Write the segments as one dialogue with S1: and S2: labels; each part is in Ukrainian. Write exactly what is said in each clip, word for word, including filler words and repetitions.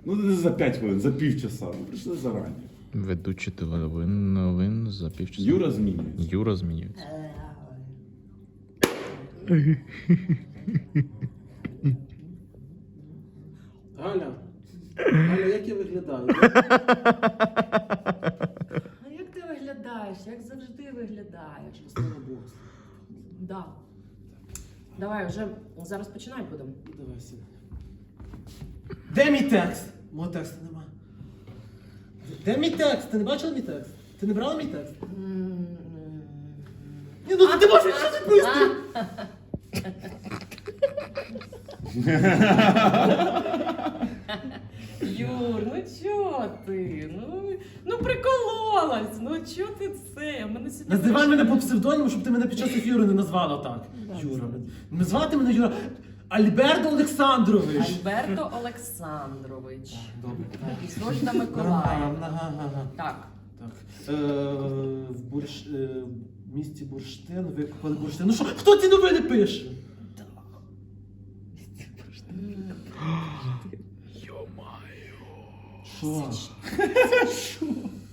S1: Ну не за п'ять хвилин, за півчаса. Ми прийшли зарані.
S2: Ведучий новин, новин за півчаса.
S1: Юра змінюється.
S2: Юра змінюється.
S3: Галя, Галя, як я виглядаю?
S4: А як ти виглядаєш? Як завжди виглядаєш?
S3: Слава Богу.
S4: Да. Давай, вже зараз починати будемо.
S3: Давай сюди. Де мій текст? Мого тексту нема. Де мій текст? Ти не бачила мій текст? Ти не брала мій текст? Ні, ну ти можеш щось відповісти!
S4: Юр, ну чо ти? Ну, ну прикололась, ну чо ти це? А мене сьогодні
S3: Називай мене по псевдоніму, щоб ти мене під час ефіру не назвала так. Юра. Назвати мене Юра. Альберто Олександрович.
S4: Альберто Олександрович.
S3: Добре.
S4: І Сольда Миколаївна.
S3: Ага, ага, ага.
S4: Так.
S3: Так. Е, в, бурш, е, в місті Бурштин викопали бурштин. Ну що, хто ці новини пише? Що? Що?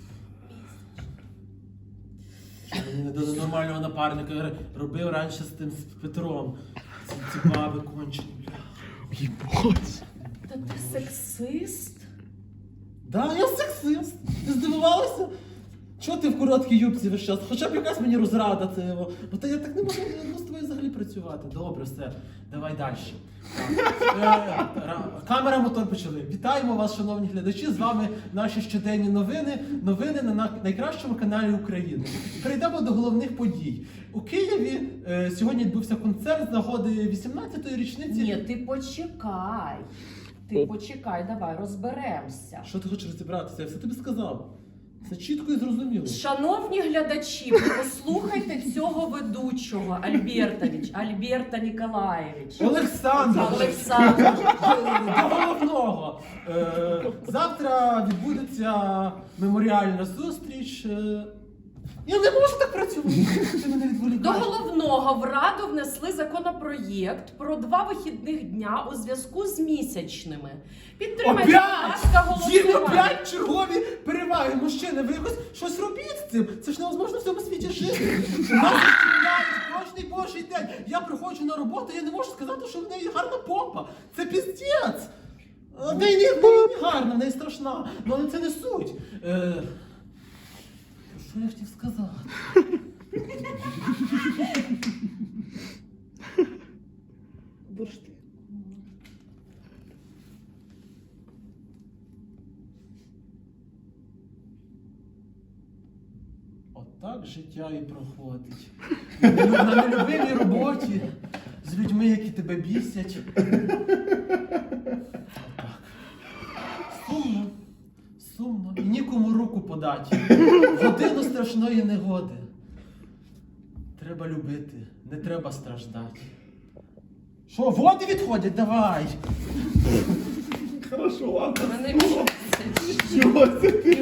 S3: Мені не до нормального напарника робив раніше з тим з Петром. Ці, ці баби кончені, бля.
S2: Єбать.
S4: Та ти сексист?
S3: Да, я сексист. Ти здивувалася? Чого ти в короткій юбці весь час? Хоча б якась мені розрада це його. Бо та я так не можу з тобою взагалі працювати. Добре, все. Давай далі. Так. Е, ра- Камера, мотор почали. Вітаємо вас, шановні глядачі. З вами наші щоденні новини. Новини на на- найкращому каналі України. Перейдемо до головних подій. У Києві е, сьогодні відбувся концерт з нагоди вісімнадцятої річниці.
S4: Ні, ти почекай. Ти почекай, давай розберемося.
S3: Що ти хочеш розібратися? Я все тобі сказав. Це чітко і зрозуміло.
S4: Шановні глядачі, ви послухайте цього ведучого, Альбертович, Альберта Ніколаєвич.
S3: Олександр!
S4: Олександр.
S3: До головного. Е, завтра відбудеться меморіальна зустріч. Е, я не можу так працювати. Ти мене
S4: До
S3: відволікаєш.
S4: головного в Раду внесли законопроєкт про два вихідних дня у зв'язку з місячними. Підтримайте, будь ласка,
S3: Опять! Їм
S4: голосування.
S3: опять чергові переваги. Мужчини, ви якось щось робіть з цим. Це ж невозможно в цьому світі жити. Нас розчиняють кожний божий день. Я приходжу на роботу, я не можу сказати, що в неї гарна попа. Це піздець. В неї не, в неї не гарна, в неї страшна. Ну, але це не суть. Е, що я хотів сказати?
S4: Бурштин.
S3: Отак життя і проходить. На на нелюбимій роботі, з людьми, які тебе бісять. Отак. Сумно, сумно. І нікому руку подати. В годину страшної негоди. Треба любити, не треба страждати. Що, води відходять? Давай!
S1: Хорошо, ладно.
S4: Мене місяць.
S1: Чого це ти?